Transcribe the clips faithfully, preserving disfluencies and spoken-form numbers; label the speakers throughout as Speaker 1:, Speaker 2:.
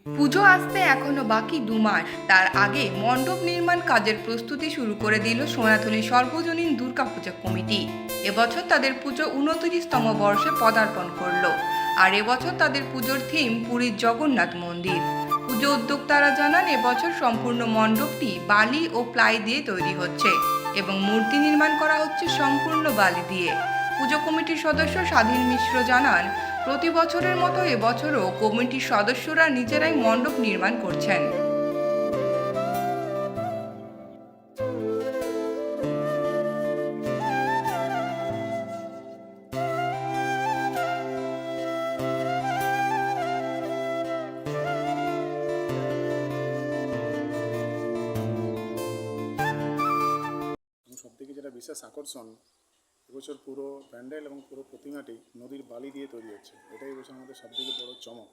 Speaker 1: পুজো আসতে এখনো বাকি দু মাস, তার আগে মণ্ডপ নির্মাণ কাজের প্রস্তুতি শুরু করে দিল সোনাতলী সর্বজনীন দুর্গাপূজা কমিটি। এবছর তাদের পুজো উনত্রিশতম বর্ষে পদার্পণ করলো। আর এবছর তাদের পুজোর থিম পুরীর জগন্নাথ মন্দির। পুজো উদ্যোক্তারা জানান, এবছর সম্পূর্ণ মণ্ডপটি বালি ও প্লাই দিয়ে তৈরি হচ্ছে এবং মূর্তি নির্মাণ করা হচ্ছে সম্পূর্ণ বালি দিয়ে। পুজো কমিটির সদস্য স্বাধীন মিশ্র জানান, প্রতি বছরের মতো এবছরও কমিটির সদস্যরা নিজেরাই মণ্ডপ নির্মাণ করছেন।
Speaker 2: সব থেকে যেটা বিশেষ আকর্ষণ, এবছর পুরো প্যান্ডেল এবং পুরো প্রতিমাটি নদীর বালি দিয়ে তৈরি হচ্ছে। এটাই এবছর আমাদের সব থেকে বড় চমক।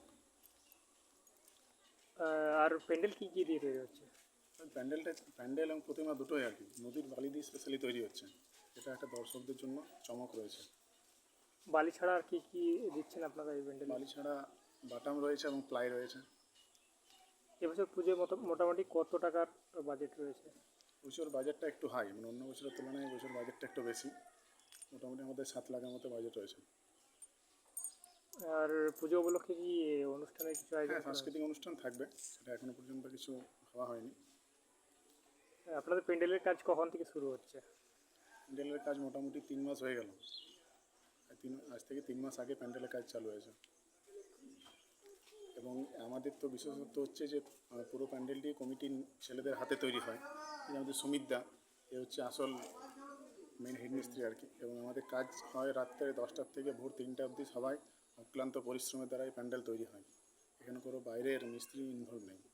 Speaker 3: আর প্যান্ডেল কি কি দিয়ে তৈরি হচ্ছে?
Speaker 2: প্যান্ডেলটা প্যান্ডেল এবং প্রতিমা দুটোই আর কি নদীর বালি দিয়ে স্পেশালি তৈরি হচ্ছে। এটা একটা দর্শকদের জন্য চমক রয়েছে।
Speaker 3: বালি ছাড়া আর কি কি দিচ্ছেন আপনারা এই প্যান্ডেলে?
Speaker 2: বালি ছাড়া বাটাম রয়েছে এবং প্লাই রয়েছে।
Speaker 3: এবছর পুজোয় মোটামুটি কত টাকার বাজেট রয়েছে?
Speaker 2: বছর বাজেটটা একটু হাই, মানে অন্য বছরের তুলনায় বছর বাজেটটা একটু বেশি। মোটামুটি আমাদের সাত লাখের মতো বাজেট রয়েছে।
Speaker 3: আর পুজো উপলক্ষে কি অনুষ্ঠানের কিছু আয়োজন?
Speaker 2: হ্যাঁ, সাংস্কৃতিক অনুষ্ঠান থাকবে, সেটা এখনো পর্যন্ত কিছু হওয়া হয়নি।
Speaker 3: আপনাদের প্যান্ডেলের কাজ কখন থেকে শুরু হচ্ছে?
Speaker 2: প্যান্ডেলের কাজ মোটামুটি তিন মাস হয়ে গেল। তিন আজ থেকে তিন মাস আগে প্যান্ডেলের কাজ চালু হয়েছে। এবং আমাদের তো বিশেষত্ব হচ্ছে যে পুরো প্যান্ডেলটি কমিটির ছেলেদের হাতে তৈরি হয়। আমাদের সুমিতদা, এ হচ্ছে আসল মেন হেডমিস্ত্রি আর কি। এবং আমাদের কাজ হয় রাত্রে দশটার থেকে ভোর তিনটা অবধি, সবাই অক্লান্ত পরিশ্রমের দ্বারাই প্যান্ডেল তৈরি হয়। এখানে কোনো বাইরের মিস্ত্রি ইনভলভ নেই।